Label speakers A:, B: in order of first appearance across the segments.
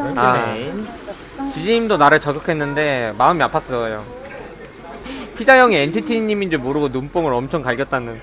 A: 지지님도 나를 저격했는데 마음이 아팠어요. 피자 형이 엔티티님인 줄 모르고 눈뽕을 엄청 갈겼다는.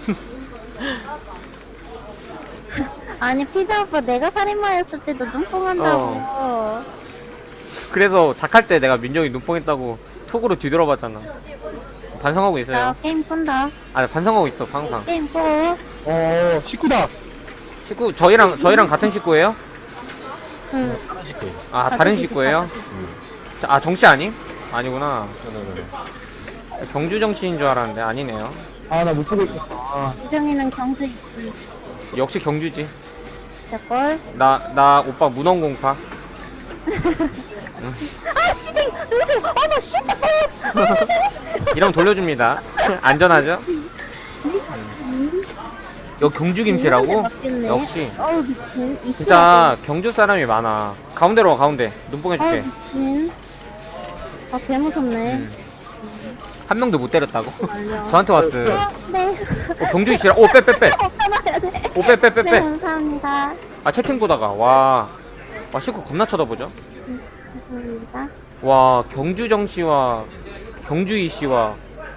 B: 아니 피자 오빠 내가 살인마였을 때도 눈뽕한다고.
A: 그래서 작할 때 내가 민정이 눈뽕했다고 톡으로 뒤돌아봤잖아. 반성하고 있어요.
B: 나 게임 끈다.
A: 아, 반성하고 있어 항상.
B: 게임 꺼.
C: 식구다.
A: 식구 저희랑 같은 식구예요?
B: 응.
A: 아, 다른 식구예요? 아, 정씨 아님? 아니구나. 경주 정씨인 줄 알았는데 아니네요.
C: 아, 나 못 보고 있어.
B: 유정이는 경주 있지.
A: 역시 경주지.
B: 저걸.
A: 나 오빠 문헌공파.
B: 아 씨댕. 누구세요? 어머 씨.
A: 이러면 돌려줍니다. 안전하죠? 여기 경주 김씨라고? 역시
B: 어우 미친.
A: 진짜 경주 사람이 많아. 가운데로 와, 가운데. 눈뽕 해줄게.
B: 미친. 아 개무섭네.
A: 한 명도 못 때렸다고?
B: 말려.
A: 저한테 왔어.
B: 네.
A: 경주 씨랑 오, 빼.
B: 참아야 돼.
A: 오, 빼.
B: 네 감사합니다.
A: 아, 채팅 보다가 와 식구 겁나 쳐다보죠?
B: 감사합니다.
A: 와, 경주정 씨와 경주이 씨와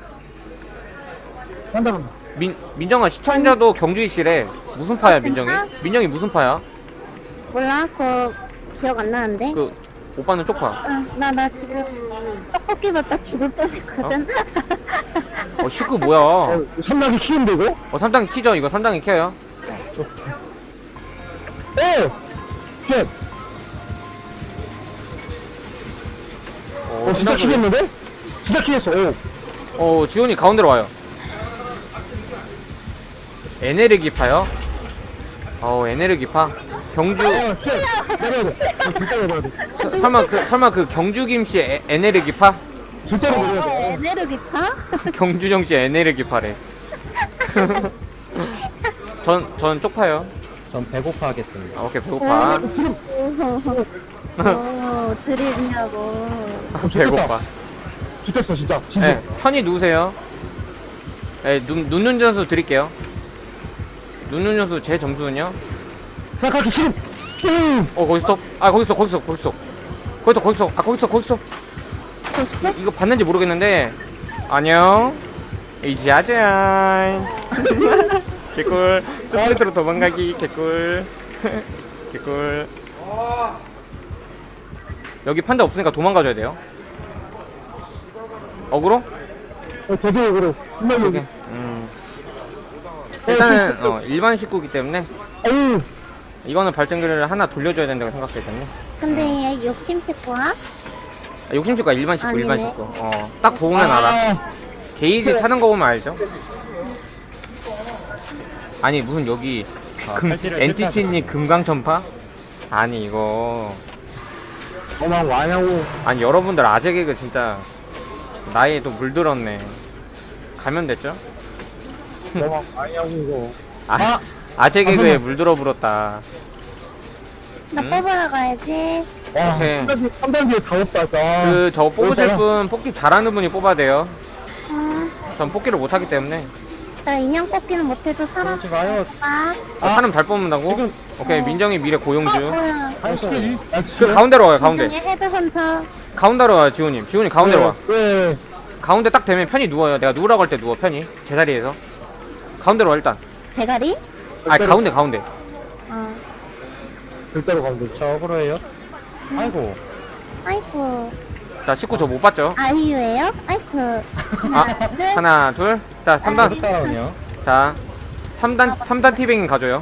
C: 한다면.
A: 민정아, 시청자도 경주이 씨래. 무슨 파야, 민정이? 민정이 무슨 파야?
B: 몰라 그거 기억 안 나는데.
A: 그 오빠는 쪽파.
B: 응, 나 지금 떡볶이 먹다 죽을 뻔했거든.
A: 식구 뭐야?
C: 산나기 키운데, 이거?
A: 3단계 키죠? 이거 3단계 켜요.
C: 쉣! 진짜
A: 끝나고-
C: 키겠는데? 진짜 키겠어,
A: 지훈이 가운데로 와요. 에네르기파요? 에네르기파? 경주
C: 쉣! 내려야 돼. 절대 내려야 돼.
A: 설마 그 경주 김씨 에네르기파?
C: 절대로 내려야 돼.
B: 에네르기파?
A: 경주정 씨 에네르기파래. 전 쪽파요.
D: 전 배고파 하겠습니다.
A: 아, 오케이, 배고파.
B: 드립이냐고.
A: 배고파.
C: 죽겠어, 진짜.
A: 네, 편히 누우세요. 네, 눈눈 점수 드릴게요. 눈눈 점수 제 점수는요?
C: 생각하기 싫음!
A: 거기 스톱. 아, 거기 스톱. 아, 거기 스톱. 이거 봤는지 모르겠는데. 안녕. 이지 아자. 개꿀. 스프린트로 도망가기. 개꿀. 개꿀. 여기 판자 없으니까 도망가줘야 돼요. 어그로?
C: 되게 그래. 분명히
A: 오케이. 일단은 일반 식구기 때문에
C: 아유,
A: 이거는 발전기를 하나 돌려줘야 된다고 생각하기 때문에.
B: 근데 얘 욕심 새꼬야?
A: 욕심 식구가 일반 식구, 일반
B: 아니네.
A: 식구. 딱 보면 알아. 게이지 차는 거 보면 알죠? 아니, 무슨 여기
D: 팔찌를
A: 엔티티님 금강천파? 아니, 이거.
C: 도망 와냐고.
A: 아니, 여러분들 아재 개그 진짜 나이에 또 물들었네. 가면 됐죠?
C: 도망 와냐고, 이거.
A: 아재 개그에
C: 선생님.
A: 물들어 불었다.
B: 나
A: 응?
B: 뽑으러 가야지.
C: 와,
A: 오케이.
C: 3단계에 다 없다, 진짜.
A: 저거 뽑으실
C: 그러니까요.
A: 분, 뽑기 잘하는 분이 뽑아야 돼요.
B: 응.
A: 전 뽑기를 못하기 때문에.
B: 나 인형 뽑기는 못해도 사람
D: 그러지 마요.
B: 봐.
A: 사람 잘 뽑는다고?
D: 지금-
A: 오케이, 민정이 미래 고용주.
B: 뭐야?
C: 시켜지?
A: 그 가운데로 와요, 가운데.
B: 인형의 헤드헌터.
A: 가운데로 와요, 지훈님. 지훈이 가운데로 와.
C: 네.
A: 가운데 딱 되면 편히 누워요. 내가 누우라고 할 때 누워, 편히. 제자리에서. 가운데로 와, 일단.
B: 대가리?
A: 아니, 가운데.
B: 어.
C: 절대로 가면 돼.
D: 저 억울해요. 아이고.
B: 아이고.
A: 자, 19 저 못 봤죠?
B: 아이유예요? 아이고. 하나, 둘.
A: 하나, 둘. 자, 3단.
D: 계속 따라오네요.
A: 자, 3단 티뱅 가져요.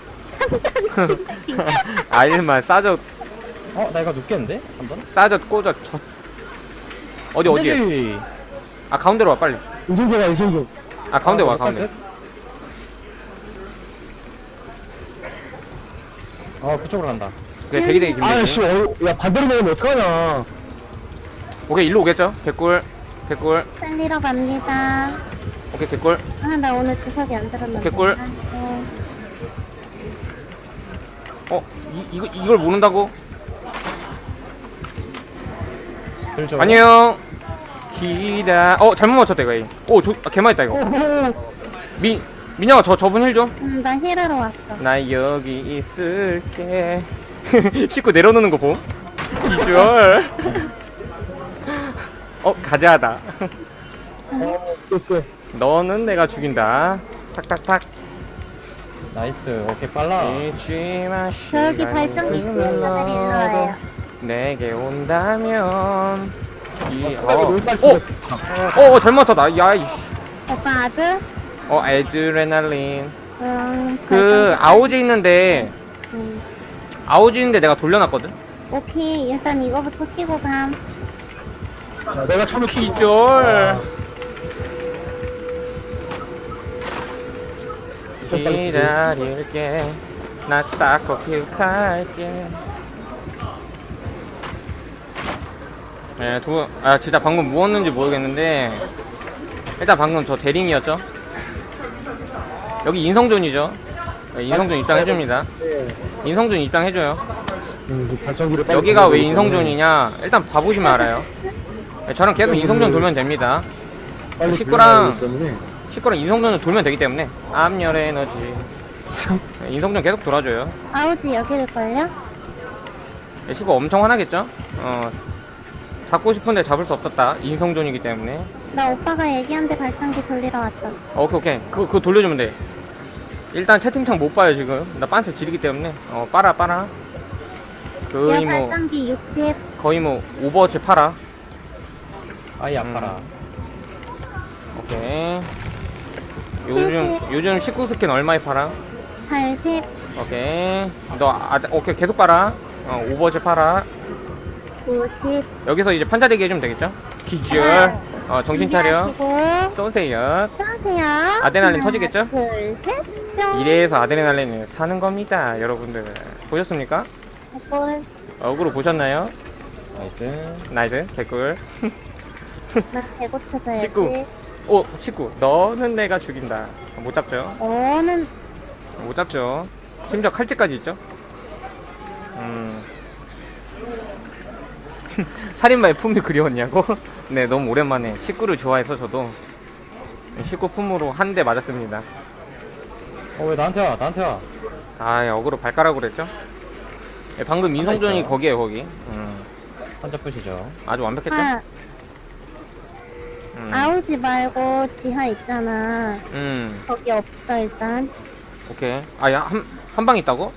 A: 아일만 싸졌,
D: 나 이거 눕겠는데? 한번?
A: 꽂아, 어디에?
D: 네.
A: 아, 가운데로 와, 빨리.
C: 이승조가 이승조.
A: 아, 가운데 와, 가운데.
D: 그쪽으로 간다.
A: 오케이, 대기대기
C: 아씨,
A: 김대기.
C: 야, 반대로 내면 어떡하냐.
A: 오케이, 일로 오겠죠? 개꿀.
B: 살리러 갑니다.
A: 오케이, 개꿀.
B: 아, 나 오늘 주석이 안 들었는데.
A: 개꿀.
B: 네.
A: 이걸 모른다고?
D: 들죠.
A: 안녕. 잘못 맞췄다, 이거. 개맛있다, 이거. 민영아, 저분 힐 좀.
B: 나 힐하러 왔어.
A: 나 여기 있을게. 씻고 내려놓는 거 봄? 비주얼. 가자하다.
C: 오케이.
A: 너는 내가 죽인다. 탁탁탁.
D: 나이스. 오케이, 빨라.
A: 잊지마
B: 저기 발전기 쓰는 분들 일로 와요.
A: 내게 온다면
C: 롤빨
A: 잘못 탔다. 야이씨.
B: 오빠 아들?
A: 에드레날린.
B: 발전기.
A: 아오지 있는데 아오지 있는데 내가 돌려놨거든.
B: 오케이, 일단 이거부터 끼고 감.
C: 내가 처음에
A: 기절. 기다릴게. 나 싹커피 갈게. 네, 진짜 방금 무엇는지 모르겠는데 일단 방금 저 대링이었죠. 여기 인성존이죠. 네, 인성존 입장해줍니다. 인성존 입장해줘요.
C: 발전기를 빨리
A: 여기가 왜
C: 돌리기
A: 인성존이냐 일단 봐보시면 알아요. 네, 저랑 계속 인성존 돌면 됩니다.
C: 빨리
A: 식구랑-
C: 돌려야 되기 때문에.
A: 식구랑 인성존을 돌면 되기 때문에 암열의 에너지. 네, 인성존 계속 돌아줘요.
B: 아우지 여기를 걸려?
A: 네, 식구 엄청 화나겠죠. 잡고 싶은데 잡을 수 없었다. 인성존이기 때문에.
B: 나 오빠가 얘기한데 발전기 돌리러 왔어.
A: 오케이. 그거 돌려주면 돼. 일단 채팅창 못 봐요 지금. 나 빤스 지르기 때문에. 빨아.
B: 야, 발전기 60.
A: 거의 뭐 오버워치 팔아.
D: 아이, 아파라.
A: 오케이. 요즘 19 스킨 얼마에 팔아?
B: 80.
A: 오케이. 오케이 계속 팔아. 오버워치 팔아.
B: 90.
A: 여기서 이제 판자대기 해주면 되겠죠? 기절. 정신 차려. 쏘세요.
B: 쏘세요.
A: 아드레날린 터지겠죠?
B: 둘, 셋. 뿅.
A: 이래서 아드레날린을 사는 겁니다, 여러분들. 보셨습니까?
B: 볼.
A: 어그로 보셨나요?
D: 나이스.
A: 나이스, 개꿀.
B: 나 배고파서
A: 19. 19. 너는 내가 죽인다. 못 잡죠?
B: 너는
A: 못 잡죠. 심지어 칼집까지 있죠? 살인마의 품이 그리웠냐고? 네, 너무 오랜만에 19를 좋아해서 저도 19 품으로 한 대 맞았습니다.
D: 왜 나한테 와? 나한테 와.
A: 어그로 발가락으로 했죠? 네, 방금 인성존이
D: 있어요.
A: 거기에요, 거기.
D: 한자 뿌시죠.
A: 아주 완벽했죠?
B: 아우지 말고 지하 있잖아. 거기 없어 일단.
A: 오케이. 한 방 있다고?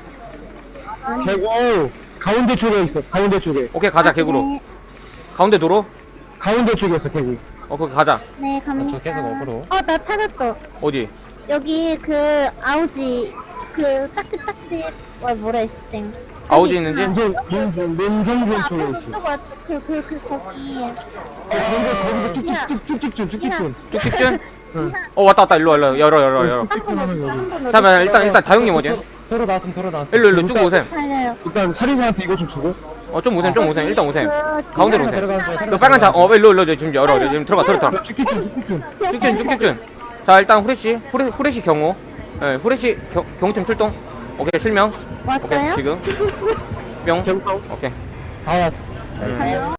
C: 개구 가운데 쪽에 있어. 가운데 쪽에.
A: 오케이, 가자, 개구로.
B: 네,
A: 가운데 도로?
C: 가운데 쪽에 있어 개구.
A: 거기 가자.
B: 네 갑니다.
D: 저 계속 어그로.
B: 나 찾았어.
A: 어디?
B: 여기 그 아우지 그 딱지딱지 뭐라 했지?
A: 아우지 있는지?
C: 민정준 쪽에 있어.
B: 거기.
C: 거기서 쭉쭉쭉쭉쭉쭉쭉쭉.
A: 쭉쭉쭉? 왔다. 일로 와. 열어. 잠깐만, 일단 다용님 어디야?
D: 들어 나왔음.
A: 일로 쭉 오셈.
B: 살려요.
C: 일단 살인사한테 이거 좀 주고.
A: 좀 오셈. 일단 오셈.
B: 그
A: 가운데로 오셈.
D: 들어가서
A: 그 빨간 자, 일로 지금 열어. 지금 들어가.
C: 쭉쭉쭉쭉쭉.
A: 쭉쭉. 자, 일단 후레쉬 경호. 네, 후레쉬 경호팀 출동. 오케이, 실명. 오케이,
B: 왔어요?
A: 지금. 뿅.
C: 개구 가운.
A: 오케이.
D: 아,
A: 음.
B: 가요?